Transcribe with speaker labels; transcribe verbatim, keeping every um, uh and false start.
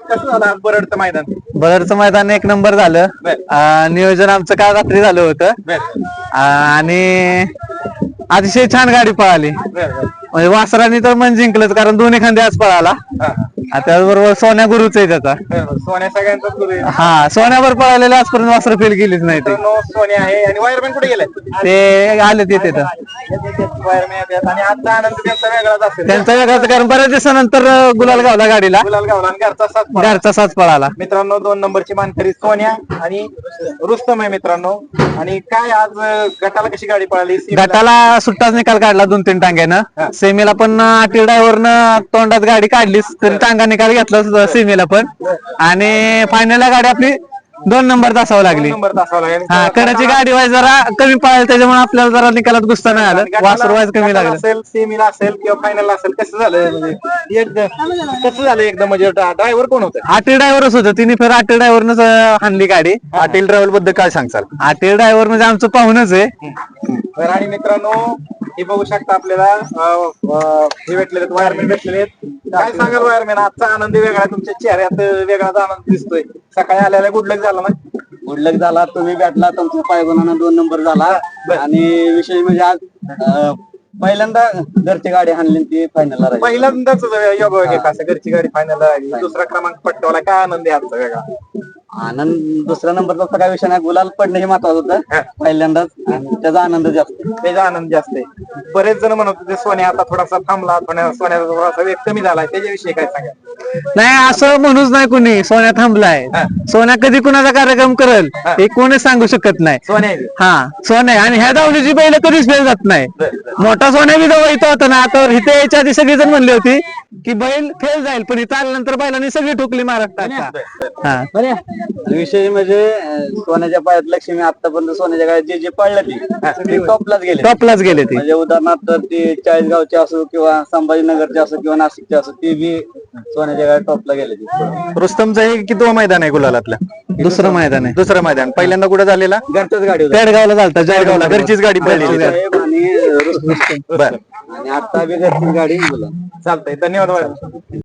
Speaker 1: कसं झालं आज बरडचं मैदान?
Speaker 2: बरडचं मैदान एक नंबर झालं. अं, नियोजन आमचं काल रात्री झालं होतं. अं, आणि अतिशय छान गाडी पळाली. म्हणजे वासरांनी तर मन जिंकलंच, कारण दोन्ही खांदे आज पळाला. त्याचबरोबर सोन्या गुरुच आहे त्याचा.
Speaker 1: सोन्या सगळ्यांचाच गुरु आहे.
Speaker 2: हा, सोन्यावर पळालेले आजपर्यंत वासर फेल गेलीच नाही ते.
Speaker 1: मित्रांनो, सोन्या आहे आणि वायरमॅन कुठे गेले?
Speaker 2: ते आले तिथे तर
Speaker 1: वायरमॅन येतात आणि आजचा आनंद त्यांचा वेगळाच असेल.
Speaker 2: त्यांचा वेगळाच, कारण बऱ्याच दिवसानंतर अं, गुलाल गावला गाडीला.
Speaker 1: गुलाल गावला आणि घरचा साथ पळाला.
Speaker 2: घरचा साच पळाला.
Speaker 1: मित्रांनो, दोन नंबरची मानकरी सोन्या आणि रुस्तम आहे मित्रांनो. आणि काय आज अं, गटाला कशी गाडी पळाली?
Speaker 2: गटाला सुट्टाच निकाल काढला दोन तीन टांग्यानं. सेमीला पण आटी ड्रायव्हरनं तोंडात गाडी काढलीच, तरी टांगा निकाल घेतला सेमीला पण. आणि फायनलला गाडी आपली दोन नंबर तासावं लागली.
Speaker 1: नंबर तासावला आहे.
Speaker 2: हा, कडाची गाडी वाईज जरा कमी पळाली, त्याच्यामुळे आपल्याला जरा निकालात गुस्सा नाही आलं. वासर वाईज कमी
Speaker 1: गटाला
Speaker 2: लागलं.
Speaker 1: असेल, सेमीला असेल किंवा फायनल असेल, कसं झालं म्हणजे एकदम कसं झालं एकदम म्हणजे ड्रायव्हर कोण होतं?
Speaker 2: आटी ड्रायव्हरच होतं, तिने फेर आटी ड्रायव्हरनच हाणली गाडी.
Speaker 1: आटील ड्रायव्हर बद्दल काय सांगचाल?
Speaker 2: आटी ड्रायव्हर म्हणजे आमचं पाहुणच आहे.
Speaker 1: तर आणि मित्रांनो, हे बघू शकता आपल्याला अं, अं, हे भेटलेले वायरमॅन भेटलेले आहेत. काय सांगाल वायरमॅन, आजचा आनंद वेगळा, तुमच्या चेहऱ्यात वेगळाच आनंद दिसतोय. सकाळी आल्याला गुडलक झाला ना?
Speaker 3: गुडलक झाला, तुम्ही भेटला, तुमच्या पायगुणानं दोन नंबर झाला. आणि विशेष म्हणजे आज अं, पहिल्यांदा घरची गाडी हाणली, ती फायनलला राहिली.
Speaker 1: पहिल्यांदाच योग असं घरची गाडी फायनल राहिली, दुसरा क्रमांक पटकावला. काय आनंद आहे आजचा वेगळा?
Speaker 3: आनंद दुसऱ्या नंबरचा काय विषय नाही, गुलाल पडणे हे महत्वाचं होतं पहिल्यांदाच, आणि त्याचा आनंद जास्त.
Speaker 1: त्याचा आनंद जास्त आहे. बरेच जण म्हणत होते सोन्या आता थोडासा थांबला, थोड्या सोन्याचा थोडासा वेग कमी झालाय, त्याच्याविषयी काय सांगा?
Speaker 2: नाही, असं म्हणूच नाही कुणी सोन्या थांबलाय. सोन्या कधी कुणाचा कार्यक्रम करेल हे कोणीच सांगू शकत नाही.
Speaker 1: सोन्या
Speaker 2: हा, सोन्या आणि ह्या धावणीची बैल कधीच फेल जात नाही. मोठा सोन्या बी जवळ इथं होता ना, तर इथे याच्या आधी सगळी जण म्हणली होती की बैल फेल जाईल, पण इथं आल्यानंतर बैलांनी सगळी ठोकली महाराष्ट्रात. हा,
Speaker 3: विषय म्हणजे अं, सोन्याच्या पायात लक्ष्मी आतापर्यंत सोन्याच्या गाड्यात जे जे पडलं ती टॉपलाच गेले.
Speaker 2: टॉपलाच गेले ते.
Speaker 3: म्हणजे उदाहरणार्थ ते चाळीसगावचे असो किंवा संभाजीनगरचे असो किंवा नाशिकचे असो, ते बी सोन्याच्या गाड्यात टॉपला गेले.
Speaker 1: रुस्तमचं हे किती मैदान आहे गुलालातलं?
Speaker 2: दुसरं मैदान आहे.
Speaker 1: दुसरं मैदान. पहिल्यांदा कुठे झालेला?
Speaker 3: घरच्याच गाडी
Speaker 2: पेडगावला झालता,
Speaker 1: जळगावला घरचीच गाडी पडली.
Speaker 3: आणि
Speaker 1: बर,
Speaker 3: आणि आता बी घरचीच गाडी बोला.
Speaker 1: चालतंय. धन्यवाद.